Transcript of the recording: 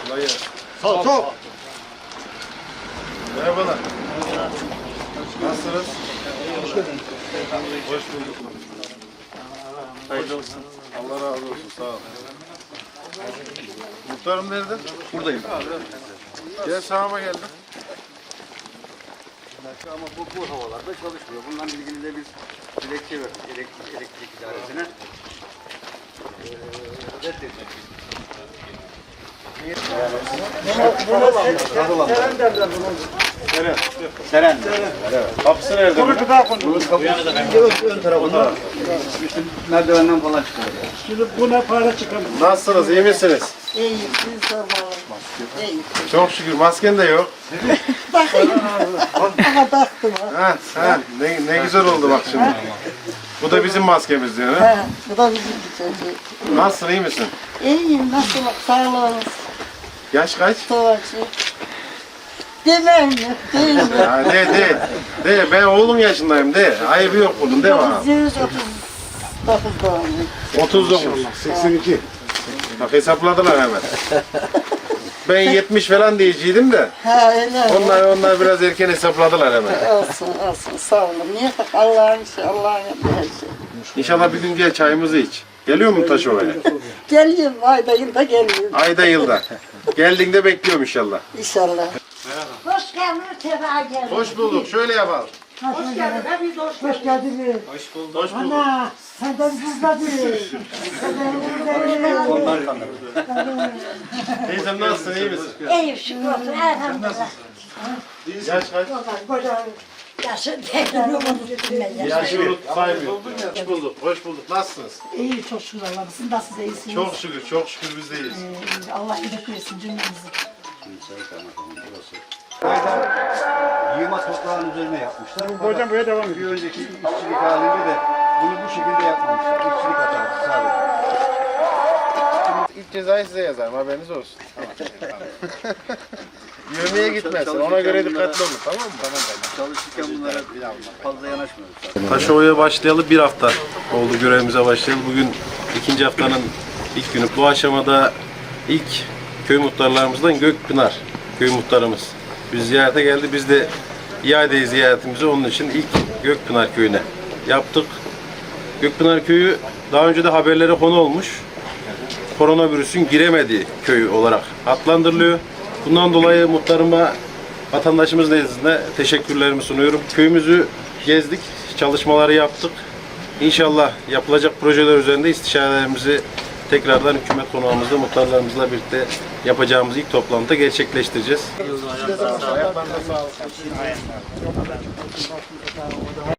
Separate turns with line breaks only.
Kolay gelsin.
Sağ ol.
Merhabalar. Nasılsınız? Hoş bulduk. Hayırlı olsun. Allah razı olsun. Sağ ol. Muhtarım nerede?
Buradayım.
Gel sağıma geldim.
Ama bu havalarda çalışmıyor. Bununla ilgili de biz dilekçe verdik elektrik idaresine. Reddedecek. Seren.
Kapısı nerede?
Ön tarafında. İşte merdivenden falan çıkıyor.
Şimdi buna para çıkamaz.
Nasılsınız? İyi misiniz?
İyi, siz sormalı. İyi.
Çok şükür. Masken de yok.
Bakayım. Ama baktım ha.
Ha, ne güzel oldu bak şimdi. Bu da bizim maskemiz diyor. Ha?
Ha, bu da bizim çocuğu.
Nasılsın? İyi misin?
İyiyim, nasıl sağlığınız?
Yaş kaç?
Savaşı. Demem mi? Değil mi?
Ya de. Ben oğlum yaşındayım de. Ayıbı yok bunun de bana.
1939 doğumluyum.
39.
82.
Bak hesapladılar hemen. Ben 70 falan diyeceydim de.
Ha öyle.
Onlar biraz erken hesapladılar hemen.
Olsun, sağ olun. Niye? Allah'ın işi, Allah'ın yaptığı her şey.
İnşallah bir gün gel çayımızı iç. Geliyor mu Taşova'ya?
Geliyorum, ayda yılda geliyorum.
Ayda yılda. Geldiğinde bekliyorum inşallah.
İnşallah.
Hoş geldin, sefa geldin.
Hoş bulduk. Şöyle yapalım.
Hoş geldin, hepiniz hoş geldin.
Hoş geldiniz.
Hoş bulduk.
Ana, senden buzladı.
Teyzem nasılsın? İyi misin?
İyi şükür olsun, elhamdülillah.
Yaş kaç?
Yaşın tekrar unuttum ben ya.
Yaşı saymıyorum. Hoş bulduk. Hoş bulduk. Nasılsınız?
İyi çok şükür Allah'ım. Siz nasılsınız? İyisiniz?
Çok şükür biz de iyiyiz.
Allah iyilik versin cümlemizi.
Yığma toprağın üzerine yapmışlar. Hocam buraya devam ediyor. Bir önceki işçilik halinde de bunu bu şekilde yapmamışlar. İşçilik hatası sadece.
İlk cezayı size yazarım. Haberiniz olsun. Yövmeye gitmesin. Ona göre dikkatli olun. Tamam mı?
Çalışırken bunlara fazla yanaşmıyoruz.
Taşova'ya başlayalı bir hafta oldu görevimize başlayalı. Bugün ikinci haftanın ilk günü. Bu aşamada ilk köy muhtarlarımızdan Gökpınar köy muhtarımız. Biz ziyarete geldi. Biz de iade ziyaretimizi onun için ilk Gökpınar köyüne yaptık. Gökpınar köyü daha önce de haberlere konu olmuş. Koronavirüsün giremediği köy olarak adlandırılıyor. Bundan dolayı muhtarıma vatandaşımız nezdinde teşekkürlerimi sunuyorum. Köyümüzü gezdik, çalışmaları yaptık. İnşallah yapılacak projeler üzerinde istişarelerimizi tekrardan hükümet konağımızda muhtarlarımızla birlikte yapacağımız ilk toplantıda gerçekleştireceğiz.